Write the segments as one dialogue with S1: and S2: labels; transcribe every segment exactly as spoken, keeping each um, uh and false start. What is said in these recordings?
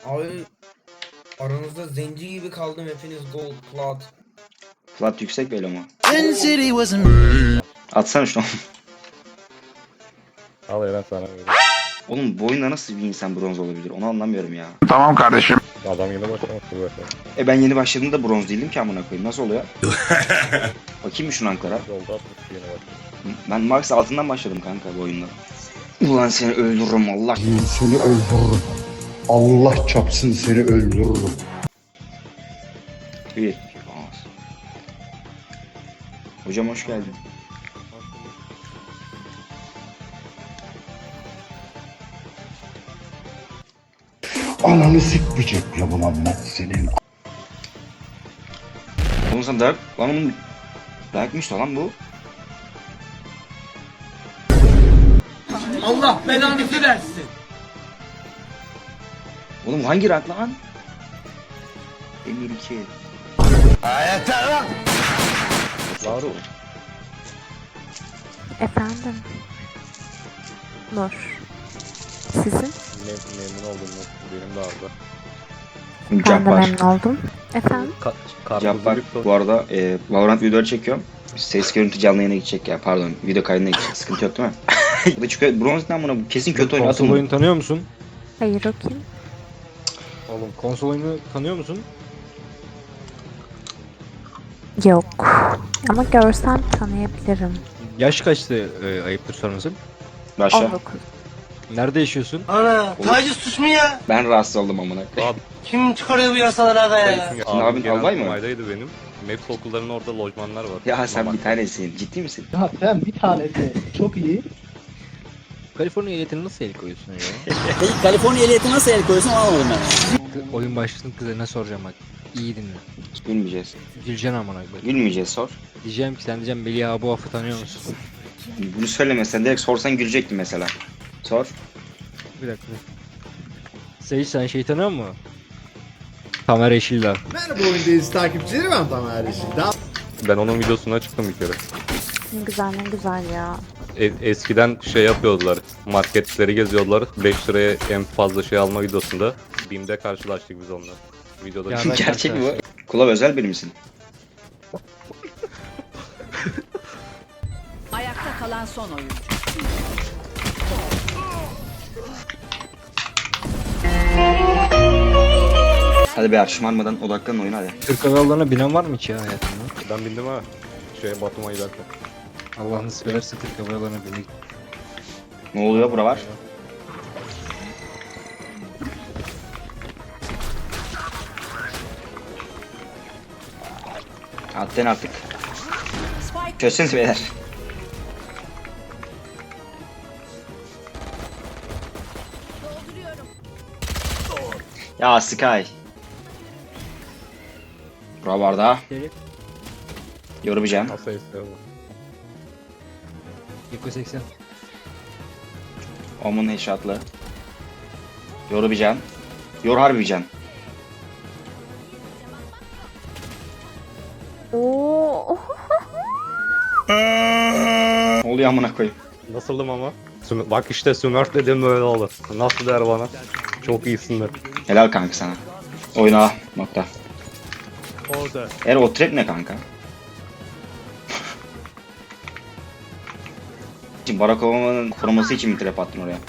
S1: Abi aranızda zenci gibi kaldım, hepiniz gold plat.
S2: Plat yüksek böyle ama. Atsana şunu.
S3: Al Eren sana böyle.
S2: Oğlum bu oyunda nasıl bir insan bronz olabilir? Onu anlamıyorum ya.
S4: Tamam kardeşim.
S3: Adam yine başlamıştır zaten.
S2: E ben yeni başladığımda bronz değildim ki amına koyayım. Nasıl oluyor? Bakayım mı şu ranklara?
S3: Yolda atmış yine başlamış.
S2: Ben Max altından başladım kanka bu oyunda. Ulan seni öldürürüm Allah.
S5: Seni öldürürüm. Allah çapsın seni öldürürüm.
S2: Bir. Hocam hoş geldin.
S5: Ananı sikmeyecek ya Muhammed senin.
S2: Oğlum sen dayak... Lan oğlum... Dayakmış da lan bu.
S1: Allah belanızı versin.
S2: Oğlum hangi rank lan? Emir iki.
S3: Laru.
S6: Efendim. Nur. Sizin?
S3: Mem memnun oldum. Benim de arada.
S6: Ben de
S2: Cabbar.
S6: memnun oldum. Efendim?
S3: Ka
S2: Cabbar.
S3: Karpuzluk
S2: Bu arada e, Valorant videoları çekiyorum. Ses görüntü canlı yayına gidecek ya. Pardon. Video kaydına gidecek. Sıkıntı yok değil mi? Bu da çünkü bronz ne amına, bu kesin kötü oyun.
S7: Konsol
S2: Atın.
S7: oyunu tanıyor musun?
S6: Hayır, o kim?
S7: Oğlum konsol oyunu tanıyor musun?
S6: Yok. Ama görsem tanıyabilirim.
S7: Yaş kaçtı, e, ayıptır sormasın.
S2: Başla.
S6: on dokuz.
S7: Nerede yaşıyorsun?
S8: Ana, taciz suç mu ya?
S2: Ben rahatsız oldum amına.
S8: Kim çıkarıyor bu yasaları aga ya?
S2: Senin abin albay mı?
S3: Maydaydı benim. Maps okullarının orada lojmanlar var.
S2: Ya sen
S3: Mamak.
S2: bir tanesin. Ciddi misin?
S8: Ya sen bir tanesi çok iyi.
S7: Kaliforniya ehliyetine nasıl el koyuyorsun ya?
S9: Peki Kaliforniya ehliyeti nasıl el koyuyorsun anlamadım ben.
S7: Oyun başlasın kıza ne soracağım bak. İyi dinle.
S2: Gülmeyeceğiz.
S7: Güleceksin amına koyayım.
S2: Gülmeyeceğiz, sor.
S7: Diyeceğim ki sen diyeceğim Melih abi bu affı tanıyor musun?
S2: Bunu söylemesen direkt sorsan gülecektim mesela. Sor.
S7: Bir dakika. Seyit sen şey tanıyor musun? Tamer Yeşildağ.
S10: Merhaba oyundayız takipçileri, ben Tamer Yeşildağ.
S3: Ben onun videosuna çıktım bir kere.
S6: Ne güzel, ne güzel ya.
S3: E eskiden şey yapıyordular. Marketleri geziyordular. beş liraya en fazla şey alma videosunda. BİM'de karşılaştık biz onunla. Videoda.
S7: Ya ben
S2: Gerçek mi bu?
S7: karşılaştım.
S2: Kulav özel biri misin?
S11: Ayakta kalan son oyuncu.
S2: Hadi be şımarmadan odaklanın oyuna hadi.
S7: Türk Hava Yolları'na binen var mı hiç ya hayatında?
S3: Ben bindim ha. Şeye Batum'a giderken.
S7: Allah nasip ederse Türk Hava Yolları'na bindik.
S2: Ne oluyor bura var? Atlayın artık.
S11: Spike
S2: Çözseniz beyler. Ya Sky. Bura var da. Yorumayacağım.
S3: Nasıl istiyorlar?
S7: Yeko seksen.
S2: Omun headshot'lı. Yorumayacağım. Yor harbican.
S6: Oo.
S2: Ne oluyor amına koyayım?
S3: Nasıldım ama? Süm- Bak işte Smurf dedim böyle olur. Nasıl der bana? Çok iyisindir.
S2: Helal kanka sana. Oyna nokta.
S3: Orada.
S2: Er o trap ne kanka? Şimdi Barack Obama'nın koruması için mi trap attın oraya?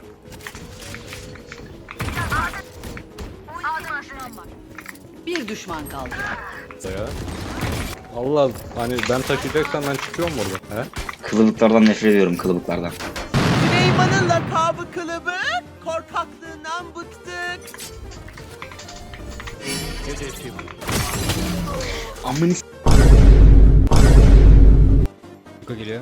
S11: bir düşman kaldı.
S3: Ya. Allah hani ben taşıyacaksam ben çıkıyorum burada. He?
S2: Kılıbıklardan nefret ediyorum, kılıbıklardan.
S8: Süleyman'ın lakabı kılıbık, korkaklığından bıktık.
S2: Amını
S7: Yeko geliyor.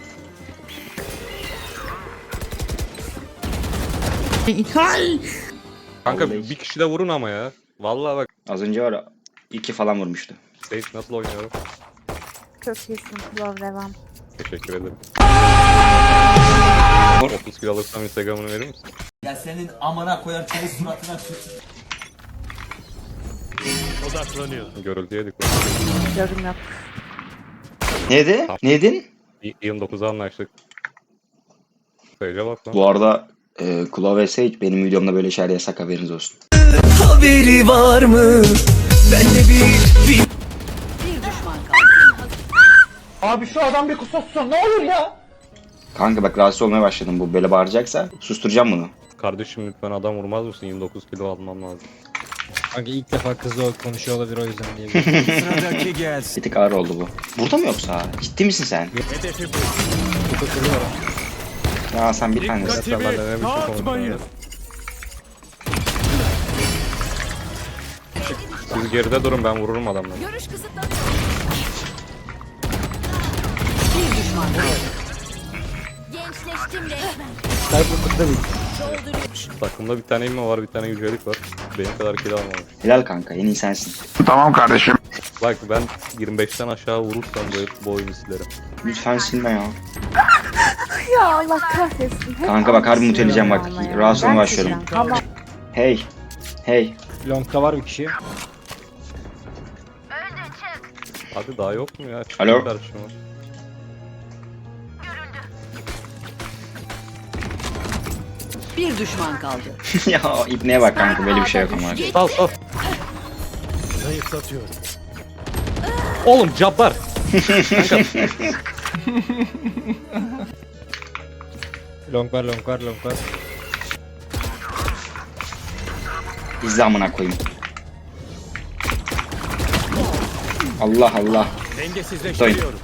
S3: Kanka
S2: Vallahi.
S3: bir kişi de vurun ama ya. Vallahi bak.
S2: az önce var ya, iki falan vurmuştu.
S3: Sage nasıl oynuyorum?
S6: Çok iyisin. Love, devam.
S3: Teşekkür ederim. otuz kilo alırsam Instagram'ını verir misin?
S9: Ya senin amına koyar çayı suratına tut.
S3: Görüldüye dikkat.
S6: Yorum yok.
S2: Neydi? Neydin?
S3: yirmi dokuza anlaştık. Sage'e bak lan.
S2: Bu arada e, Kulav ve Sage benim videomda böyle şeyler yasak, haberiniz olsun.
S11: Haberi var mı? Bende bir, bir... Bir düşman kaldı.
S8: Abi şu adam bir kusursun ne olur ya.
S2: Kanka bak rahatsız olmaya başladım, bu böyle bağıracaksa susturacağım bunu.
S3: Kardeşim lütfen adam vurmaz mısın? yirmi dokuz kilo almam lazım.
S7: Kanka ilk defa kızla konuşuyor olabilir o yüzden diye.
S11: Sıradaki gelsin.
S2: Bir tık ağır oldu bu. Burada mı yoksa? Ciddi misin sen? Ya sen bir tanesin.
S3: Sen ben de ne biçim konuşuyorsun? Siz geride durun, ben vururum adamları.
S11: Görüş kısıtlanıyor. Bir düşman kaldı.
S6: Gençleştim resmen.
S7: Cyberpunk'ta bir
S3: Takımda bir tane immo var, bir tane yücelik var. Benim kadar kill almamış.
S2: Helal kanka, en iyi sensin.
S3: Bak ben yirmi beşten aşağı vurursam böyle bu oyunu silerim.
S2: Lütfen silme ya.
S6: Ya Allah kahretsin. Hep
S2: Kanka bak, harbi
S6: aynı
S2: muteleyeceğim
S6: şey
S2: bak.
S6: ama ya.
S2: Rahatsız olmaya
S6: Ben
S2: başlıyorum.
S6: sileceğim, Tamam.
S2: Hey. Hey.
S7: Long'da var bir kişi.
S3: Hadi daha yok mu ya? Çıkın
S2: Alo?
S3: karşıma.
S11: Bir düşman kaldı.
S2: Ya ipneye bak kanka, böyle bir şey yok ama.
S3: Sal sal. Oğlum cabbar.
S7: Long var long var long var.
S2: İzle amına koyayım. Allah Allah.
S3: Dengesizleştiriyorum.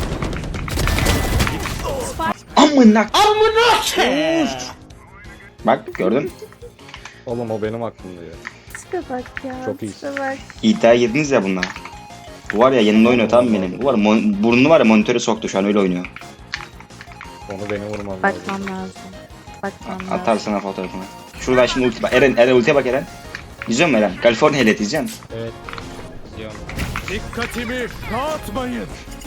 S2: Amına. Amına. Bak gördün.
S3: Oğlum o benim aklımda ya.
S6: Tipe bak ya.
S3: Çok iyisin.
S6: tipe bak.
S2: İddia girdiniz ya bununla. Bu var ya, yanında oynuyor tamam mı benim? Bu var mon- burnunu var ya, monitöre soktu, şu an öyle oynuyor.
S3: Onu benim vurmam lazım.
S6: Bakmam lazım. Bakmam lazım.
S2: Atar sana fotoğrafını. Şuradan şimdi ulti bak. Eren, Eren ultiye bak Eren. İzliyor musun Eren? California Helet izliyor musun?
S7: Evet. Zion.
S3: Dikkatimi dağıtmayın.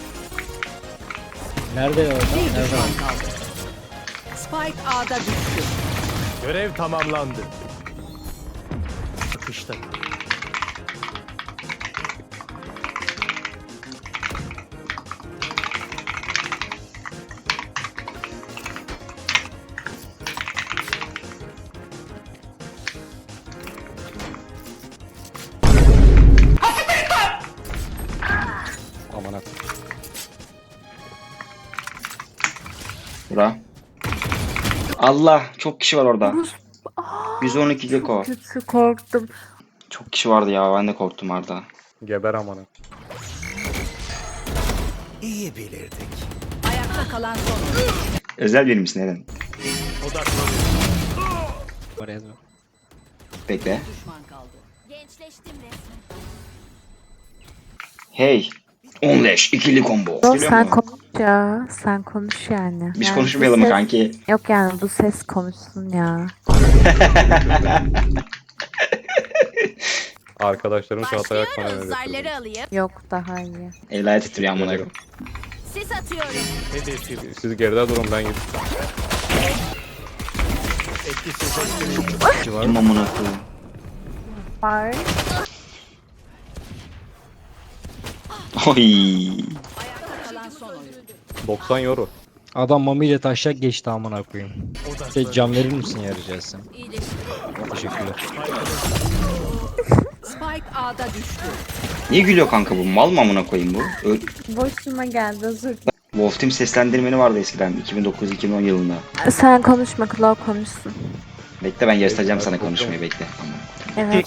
S7: Nerede orada?
S11: Bir
S7: Nerede?
S11: düşman kaldı. Spike A'da düştü.
S3: Görev tamamlandı. Akışta. Aman ak.
S2: Bura. Allah, çok kişi var orada. yüz on iki Geko.
S6: Kötü korktum.
S2: Çok kişi vardı ya, ben de korktum Arda.
S3: Geber aman ak.
S11: Ayakta kalan son oyuncu.
S2: Özel biri misin Eren?
S7: Var yazma.
S2: Bekle.
S11: Düşman kaldı.
S6: Gençleştim resmen.
S2: Hey. on leş, ikili combo.
S6: Yok
S2: Geliyor
S6: sen
S2: mu?
S6: konuş ya. Sen konuş yani.
S2: Biz
S6: Yani
S2: konuşmayalım
S6: bu
S2: mı
S6: ses-
S2: kanki?
S6: Yok yani bu ses konuşsun ya.
S3: Arkadaşlarım Çağatay Akman'a ne götürdü?
S6: alayım. Yok daha iyi.
S2: El ayet titriyor amına koyayım.
S6: Sis atıyorum.
S3: Siz geride durun, ben gidip.
S2: Kim amına koyayım?
S6: Var.
S2: Oy.
S11: Ayakta kalan son oyuncu.
S3: doksan euro.
S7: Adam Mami ile taşak geçti amına koyayım. Şey cam verir misin ya rica etsem? Teşekkürler.
S11: Spike A'da düştü.
S2: Niye gülüyor kanka bu? Mal mı amına koyayım bu? Ö-
S6: Boşuma geldi özür
S2: Wolf Team seslendirmeni vardı eskiden iki bin dokuz iki bin on yılında.
S6: dilerim. Sen konuşma Claw konuşsun.
S2: Bekle, ben göstereceğim sana konuşmayı, bekle.
S6: Evet.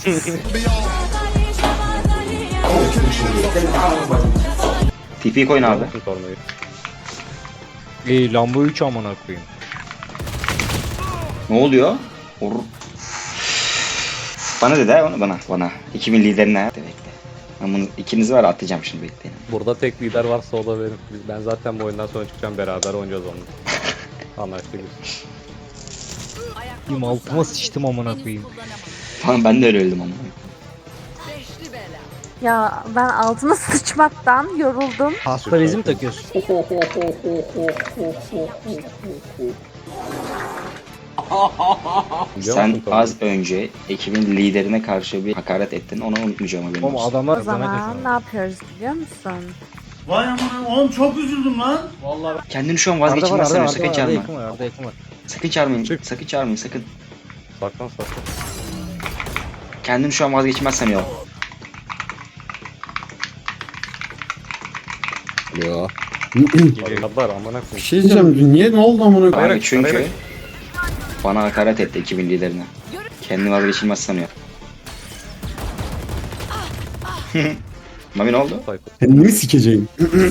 S2: T P koyun abi.
S3: Yapın tornayı.
S7: Ey Lambo üç amına koyayım.
S2: Ne oluyor? Or- Bana dedi ha onu, bana bana. iki bin liderine. Bekle bekle. Ben bunu ikiniz var atacağım şimdi, bekleyin.
S3: Burada tek lider varsa o da benim. Biz- Ben zaten bu oyundan sonra çıkacağım, beraber oynayacağız onu. Anlaştık biz.
S11: Ayakta
S7: Benim altıma sıçtım amına koyayım.
S2: Falan ben de öyle öldüm ama.
S11: beşli bela.
S6: Ya ben altına sıçmaktan yoruldum.
S7: Hasta bezi mi takıyorsun?
S3: Biliyor
S2: Sen
S3: musun tornayı?
S2: az önce ekibin liderine karşı bir hakaret ettin. Onu unutmayacağım haberin
S7: Oğlum
S2: olsun.
S7: adamlar
S6: O zaman ne yapıyoruz biliyor musun?
S8: Vay aman oğlum çok üzüldüm lan.
S2: Kendini şu an
S7: Arda var
S2: vazgeçilmez
S7: Arda
S2: sanıyor.
S7: Arda
S2: Sakın
S7: var Arda
S2: çağırma.
S7: yakın var Arda yakın var.
S2: Sakın çağırmayın.
S3: Çık.
S2: Sakın çağırmayın sakın.
S3: Saklan saklan.
S2: Kendim şu an vazgeçmez sanıyorum.
S10: Ya.
S3: Adamlar amına
S10: Bir
S3: koyayım.
S10: şey diyeceğim. Niye ne oldu amına koyayım?
S2: Abi çünkü
S3: arayarak.
S2: bana hakaret etti ekibin liderine. Kendini vazgeçilmez sanıyor. Mami ne oldu?
S10: Kendimi sikeceğim.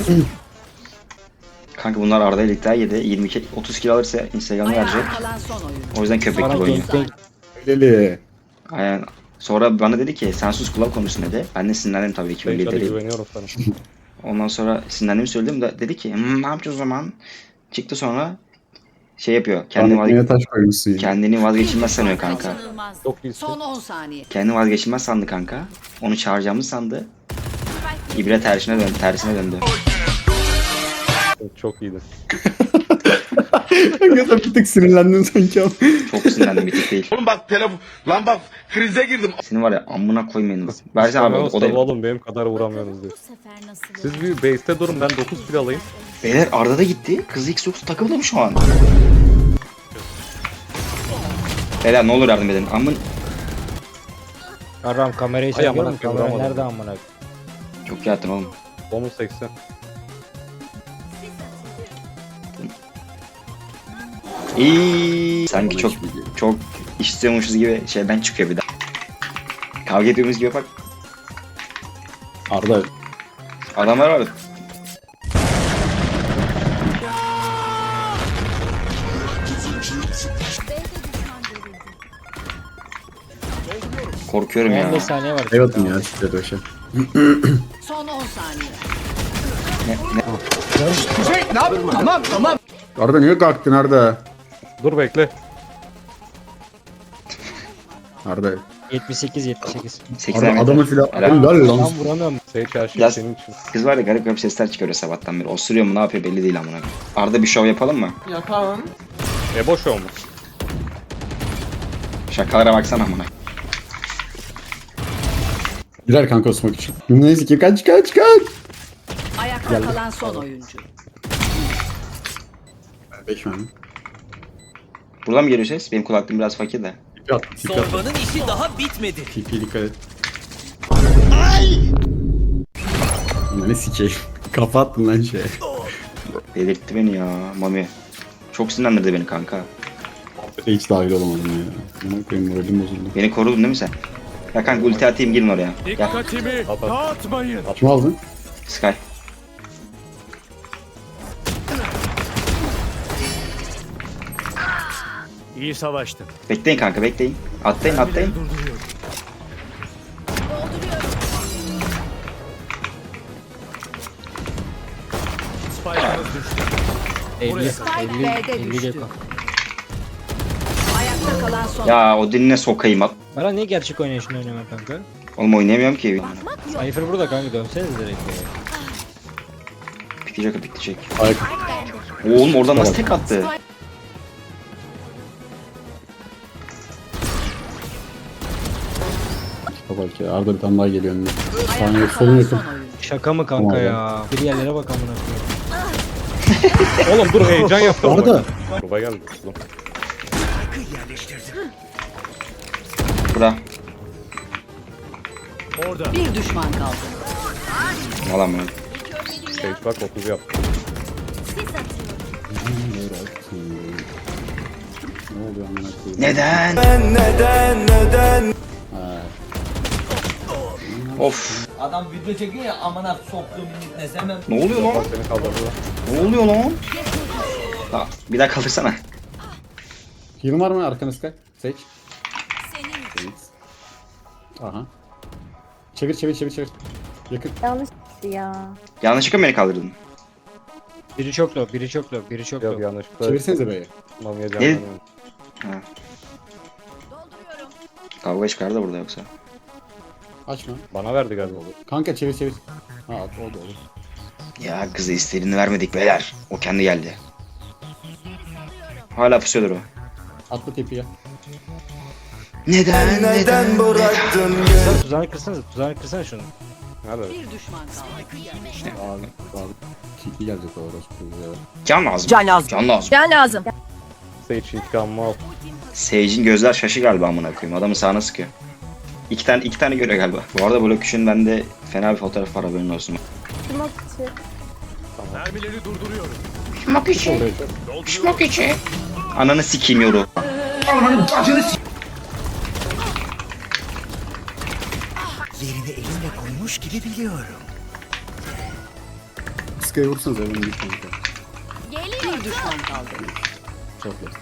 S2: Kanka bunlar Arda ile iddia yedi. yirmi iki otuz kilo alırsa Instagram'a verecek.
S11: Ayakta kalan son oyuncu.
S2: O yüzden köpek
S7: Bana
S2: gibi oynuyor.
S7: gangbang
S10: Leli.
S2: Aynen. Sonra bana dedi ki sen sus kulak konuşsun dedi. Ben de sinirlendim tabii ekibin
S3: Ben hadi
S2: lideri.
S3: güveniyorum sana.
S2: Ondan sonra sinirlendiğimi söyledim de dedi ki "Hmm, ne yapacağız o zaman?" Çıktı sonra şey yapıyor. Kendini, vazge-
S10: Neye taş koymuşsun ya.
S2: kendini vazgeçilmez sanıyor kanka.
S11: Kaçınılmaz.
S3: Çok iyisin.
S11: Son on saniye.
S2: Kendini vazgeçilmez sandı kanka. Onu çağıracağımızı sandı. İbre tersine döndü. Tersine döndü.
S3: Çok iyiydin.
S10: Kanka sen bir tık sinirlendin sanki ama.
S2: Çok sinirlendim bir tık değil.
S8: Oğlum bak telefon. Lan bak krize girdim.
S2: Senin var ya amına koymayın. Versene abi
S3: Abi,
S2: o, o da.
S3: oğlum benim kadar vuramıyorsunuz diyor. Siz bir base'te durun ben dokuz kill alayım.
S2: Beyler Arda da gitti. Kız Xbox takıldı mı şu an? Beyler ne olur yardım edin. Amın
S7: Aram kamerayı
S3: Ay,
S7: çekiyor
S3: amına
S7: mu?
S3: koyayım,
S7: Kamera
S3: vuramadım.
S7: nerede amına?
S2: çok yattın oğlum.
S3: Bonus seksen.
S2: İyi. Sanki çok çok istiyormuşuz gibi şeyden çıkıyor bir daha. Kavga ediyoruz gibi bak.
S10: Arda.
S2: Adamlar var. Korkuyorum ya.
S7: on beş saniye var.
S10: Evet ya siktir o şey.
S11: Son on saniye.
S2: Ne, ne?
S10: Arda niye kalktın Arda?
S3: Dur bekle.
S10: Arda.
S7: yetmiş sekiz yetmiş sekiz.
S2: seksen
S10: Arda
S2: metre.
S10: adamı filan.
S2: Helal.
S10: Helal lan.
S7: Lan vuramıyorum.
S3: Sage her şey
S2: Yaz.
S3: senin için.
S2: Kız var ya garip garip sesler çıkarıyor sabahtan beri. Osuruyor mu ne yapıyor belli değil amına. Arda bir şov yapalım mı?
S3: E boş olmuş.
S2: Şakalara baksana amına.
S10: Girer kanka o smoke için. Neyse ki kaç kaç kaç.
S11: Ayakta kalan son oyuncu.
S10: beş mi?
S2: Buradan mı geliyor ses? Benim kulaklığım biraz fakir de.
S10: Tipi at. Tipi at.
S9: Zorbanın işi daha bitmedi.
S10: Tipi dikkat et. Ne sikeyim. Kafa attın lan şeye.
S2: Delirtti beni ya Mami. Çok sinirlendirdi beni kanka.
S10: Hiç dahil olamadım ya. Aman koyayım moralim bozuldu.
S2: Beni korudun değil mi sen? Ya kanka ulti atayım girin oraya. Gel.
S3: At at.
S10: Kim aldın?
S2: Sky.
S8: İyi savaştın.
S2: Bekleyin kanka bekleyin. Atlayın atlayın.
S7: elli.
S11: Spike
S7: elli.
S11: B'de
S7: elli
S11: düştü.
S7: Geko.
S11: Ayakta kalan son.
S2: Ya o diline sokayım at.
S7: Bana niye gerçek oynayışını oynamıyor kanka?
S2: Oğlum oynayamıyorum ki.
S7: Cypher burada kanka dönseniz direkt. ya.
S2: Bitecek o bitecek.
S10: Ayak.
S2: Oğlum oradan nasıl tek attı?
S10: Bak ya Arda bir tane daha geliyor önüne. Saniye
S11: Ayakta
S10: solun
S11: kalan
S10: yakın.
S11: son oyuncu.
S7: Şaka mı kanka
S10: Tamam.
S7: ya? Bir yerlere bak amına koyayım.
S3: Oğlum dur heyecan yaptım. ama.
S10: Arda.
S3: Kurba geldi. Oğlum.
S2: Bura.
S11: Bir düşman kaldı.
S2: Alan bunu.
S3: Sage bak otuz yaptı.
S10: Ne oluyor amına koyayım?
S2: Neden?
S8: Neden neden?
S10: Ha.
S2: Of.
S9: Adam video çekiyor ya amına soktuğum ne hemen.
S2: Ne oluyor lan?
S3: Seni kaldırdı.
S2: Ne oluyor lan? Ha, bir daha kaldırsana.
S10: Heal var mı arkanız Sky? Seç. Senin. Aha. Çevir çevir çevir çevir. Yakın.
S6: Yanlış ya.
S2: Yanlışlıkla mı beni kaldırdın?
S7: Biri çok low, biri çok low, biri çok
S3: Yok
S7: low.
S3: yanlışlıkla.
S10: Çevirsenize B'ye.
S3: Mamiye
S2: Ne?
S3: canlanıyorum.
S2: Ha. Kavga çıkardı burada yoksa.
S10: Açma.
S3: Bana verdi galiba.
S10: Kanka çevir çevir. Ha at o da olur.
S2: Ya kızı istediğini vermedik beyler. O kendi geldi. Hala pusuyordur o.
S10: Atla tepiye.
S2: Neden? Neden?
S8: bıraktın?
S7: Tuzağını kırsana, tuzağını kırsana şunu.
S3: Nerede?
S11: Bir düşman kaldı.
S10: Abi abi. Tipi gelecek o orası. Ya.
S2: Can lazım.
S11: Can lazım.
S2: Can lazım.
S11: Can lazım.
S3: Sage intikamımı al.
S2: Sage'in gözler şaşı galiba amına koyayım. Adamı sağına sıkıyor. İki tane iki tane görüyor galiba. Bu arada Blok üçün bende fena bir fotoğraf var, haberin olsun.
S6: Smoke içi.
S8: Mermileri durduruyorum.
S2: Şmak içi. Şmak içi. Ananı sikeyim yoru.
S11: Yerini elimle koymuş gibi biliyorum.
S10: Sky'ı vursanız evin bir kanka.
S4: Bir düşman kaldı.
S10: Çok iyi.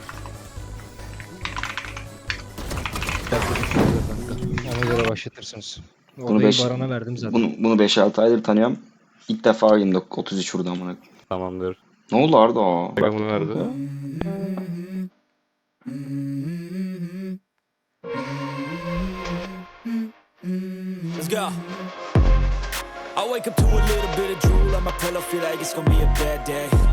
S7: Ona göre başlatırsınız.
S2: Bunu
S7: Odayı
S2: beş-
S7: Baran'a verdim zaten.
S2: Bunu bunu beş altı aydır tanıyorum. İlk defa yirmi dokuz otuz üç vurdu amına.
S3: Tamamdır.
S2: Ne oldu Arda?
S3: Bak bunu verdi.
S11: Let's go. I wake up to a little bit of drool on my pillow, feel like it's gonna be a bad day.